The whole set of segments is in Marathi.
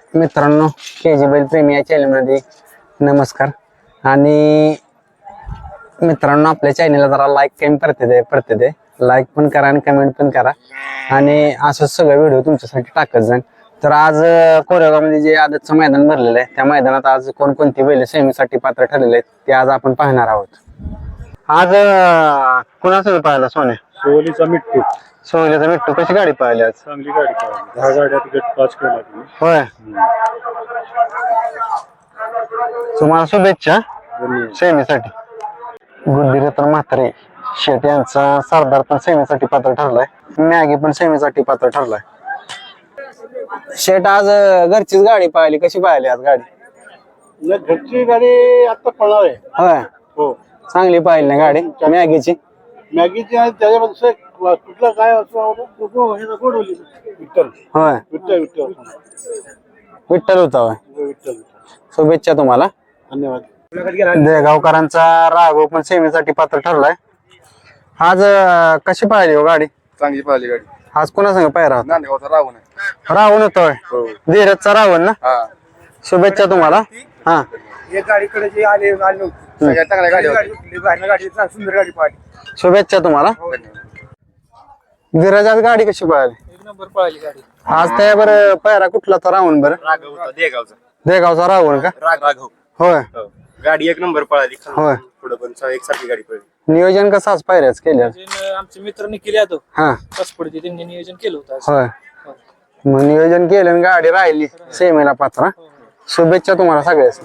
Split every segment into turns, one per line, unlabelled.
मित्रांनो, केजी बैल प्रेमी या चॅनलमध्ये नमस्कार. आणि मित्रांनो, आपल्या चॅनलला जरा लाईक कमी पडते ते लाईक पण करा आणि कमेंट पण करा. आणि असंच सगळं व्हिडिओ तुमच्यासाठी टाकत जाईन. तर आज कोरेगावमध्ये जे आदतचं मैदान भरलेलं आहे, त्या मैदानात आज कोणकोणती बैल सेमीसाठी पात्र ठरलेले आहेत ते आज आपण पाहणार आहोत. आज कुणासोबत पाहिला सोने?
सोलीचा मिट्टू.
सोहल्याचा मिट्टू. कशी गाडी पाहिली आज?
चांगली गाडी पाहिली. 10 गाड्यात गट पास केला तुम्ही.
होय, तुम्हाला शुभेच्छा
धन्यवाद.
सेमीसाठी. गुड्डीरत्न म्हात्रे शेट यांचा सरदार पण सेमीसाठी पात्र ठरलाय. मॅगी पण सेमीसाठी पात्र ठरलाय. शेट आज घरचीच गाडी पाहिली, कशी पाहिली आज गाडी?
घरची गाडी आता पळणार आहे.
होय,
हो.
चांगली पाहिली ना गाडी मॅगीची.
मॅगीची आणि त्याच्यामध्ये कुठला काय असं गोडवली विठ्ठल.
होय,
विठ्ठल विठ्ठल
विठ्ठल होता. होय,
विठ्ठल.
शुभेच्छा तुम्हाला.
धन्यवाद.
देगावकरांचा राघव पण सेमीसाठी पात्र ठरलाय. आज कशी पाहिली हो गाडी?
चांगली पाहिली गाडी.
आज कोणासंग पायरा होता?
नांदगावचा रावण आहे.
रावण होतोय. धीरजचा रावण ना. शुभेच्छा तुम्हाला. हा,
एक गाडीकडे जे आले नव्हते. सगळ्यात चांगल्या गाडी गाडी सुंदर गाडी पाहिली.
शुभेच्छा तुम्हाला. धीरज आज गाडी कशी पाहिली?
एक नंबर पाहिली गाडी.
आज त्यावर पायरा कुठला तर रावण? बरं,
राघव होता देगावचा.
देगावचा रावण का?
राघव.
होय
गाडी एक नंबर पळाली.
होय.
पुढे पण एकसारखी गाडी पळली.
नियोजन कसं आज पायऱ्याच केलं?
आमच्या मित्रांनी केले तो
हा,
पसपडती त्यांनी नियोजन केलं होतं आज.
होय. मग नियोजन केलं आणि गाडी राहिली सेमीला पात्र. शुभेच्छा तुम्हाला सगळ्याच.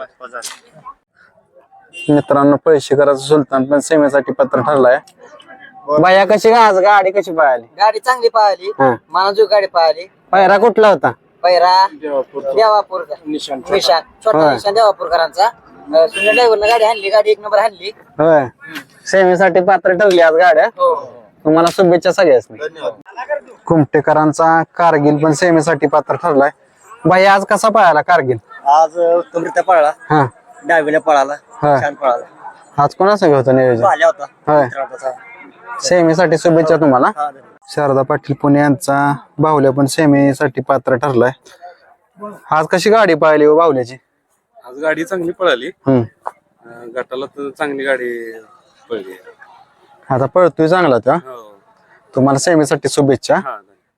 मित्रांनो, पैसेकराचा सुलतान पण सेमीसाठी पात्र ठरलाय. बाया कशी आज गाडी कशी पाहिली?
गाडी चांगली पाहिली.
हा,
मानाजू गाडी पाहिली.
पायरा कुठला होता?
पैरा
देवापूर
देवापूरचा
निशान.
छोटा
होय.
निशाण देवापूरकरांचा. सुनील ड्रायव्हरनं गाडी हाणली. गाडी एक नंबर हाणली.
होय, सेमीसाठी पात्र ठरली आज गाड्या. तुम्हाला शुभेच्छा सगळ्याच. कुमटेकरांचा कारगिल पण सेमीसाठी पात्र ठरलाय. बाई आज कसा पाहायला कारगिल?
आज उत्तमरित्या पळाला.
हा,
डावीला पळाला.
होय.
छान पळाला.
आज कोणासंग होतं नियोजन?
पाहिला होता.
होय, सेमीसाठी शुभेच्छा तुम्हाला. शारदा पाटील पुणे यांचा बाहुल्या पण सेमीसाठी पात्र ठरलाय. आज कशी गाडी पाहिली हो बाहुल्याची?
आज गाडी चांगली पळाली.
हम्म,
गटाला तर चांगली गाडी पळली.
आता पळतोय चांगला त्या.
हो.
तुम्हाला सेमीसाठी शुभेच्छा.
हा.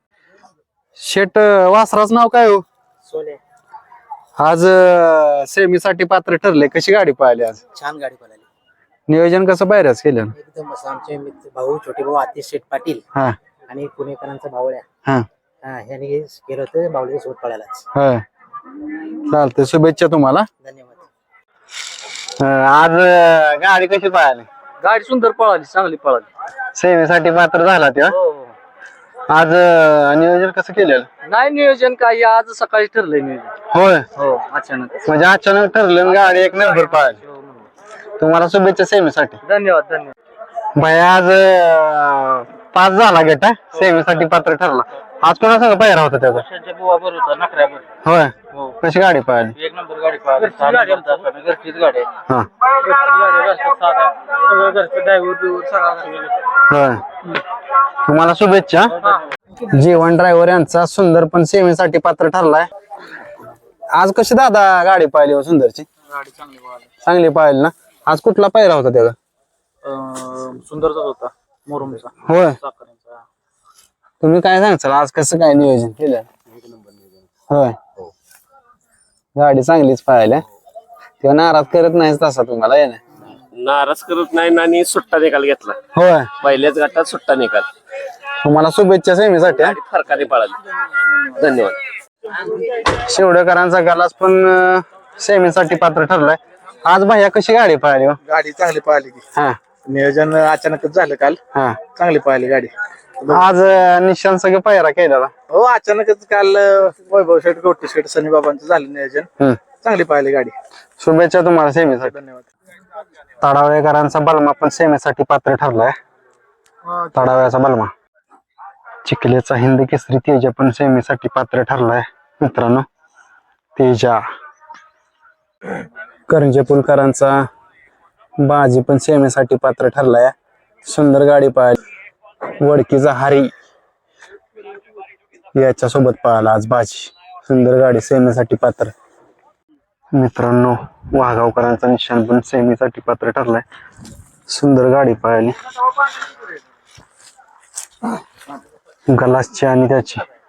शेट वासराच नाव काय हो?
सोने.
आज सेमीसाठी पात्र ठरले. कशी गाडी पाहिली आज?
छान गाडी पळाली.
नियोजन कसं बाहेरच केलं?
एकदम असं आमचे मित्र भाऊ छोटे भाऊ आतिश शेठ पाटील
हा,
आणि पुणेकरांचा भावळ्या
हा,
ह्याने केलं होतं. बावळीच्या सोबत पळायलाच.
होय. चालतंय, शुभेच्छा तुम्हाला.
धन्यवाद.
आज गाडी कशी पाहिली?
गाडी सुंदर पळाली, चांगली पळाली.
सेमीसाठी पात्र झाला तेव्हा. आज नियोजन कसं केलेलं?
नाही नियोजन काही आज सकाळी ठरलंय नियोजन.
होय,
हो, अचानक.
म्हणजे अचानक ठरलं आणि गाडी एक नंबर पाहिली. तुम्हाला शुभेच्छा सेमीसाठी.
धन्यवाद धन्यवाद.
भाई आज 5 झाला गट. सेमीसाठी पात्र ठरला. आज कोणासंग पायरा होता त्याचा?
बुवा बरोबर होता, नखऱ्यावर.
होय, कशी गाडी पाहिली?
एक नंबर गाडी पळाली. घरचीच गाडी आहे.
हा,
घरचीच गाडी आहे. रस्ता साधा. सगळं घरचं ड्रायव्हर सगळं.
होय. तुम्हाला शुभेच्छा. जीवन ड्रायव्हर यांचा सुंदर पण सेमीसाठी पात्र ठरलाय. आज कशी दादा गाडी पाहिली हो सुंदरची?
गाडी चांगली पळाली.
चांगली पाहिली ना. आज कुठला पायरा होता त्याचा?
सुंदरचाच होता, मोरमचा.
होय,
साखरेचा.
तुम्ही काय सांगचाल आज कसं काय नियोजन केलं? होय, गाडी चांगलीच पाहिली. तेव्हा नाराज करत नाहीच तसा तुम्हाला आहे ना?
नाराज करत नाही आणि सुट्टा निकाल घेतला.
होय,
पहिल्याच गटात सुट्टा निकाल.
तुम्हाला शुभेच्छा सेमीसाठी.
गाडी फरकाने पळाली. धन्यवाद.
शेवडेकरांचा गलास पण सेमीसाठी पात्र ठरलाय. आज भैया कशी गाडी पाहिली हो?
गाडी चांगली पाहिली की.
हा,
नियोजन अचानकच झालं काल.
हा.
चांगली पाहिली गाडी.
आज निशांत सगळं पायरा केलेला.
हो, अचानकच काल वैभव शेठ गोटी शेठ सनी बाबांचं झालं नियोजन. चांगली पाहिली गाडी.
शुभेच्छा तुम्हाला सेमीसाठी.
धन्यवाद.
तडावळेकरांचा बलमा पण सेमीसाठी पात्र ठरलाय. तडावळ्याचा बलमा. चिखलेचा हिंद केसरी तेजा पण सेमीसाठी पात्र ठरलाय. मित्रांनो, तेजा. करंजे पुलकरांचा बाजी पण सेमीसाठी पात्र ठरलाय. सुंदर गाडी पाहिली. वडकीचा हारी याच्या सोबत पाहिला आज बाजी. सुंदर गाडी सेमीसाठी पात्र. मित्रांनो वाघावकरांचा निशाण पण सेमीसाठी पात्र ठरलाय. सुंदर गाडी पळाली. गलासची आणि त्याची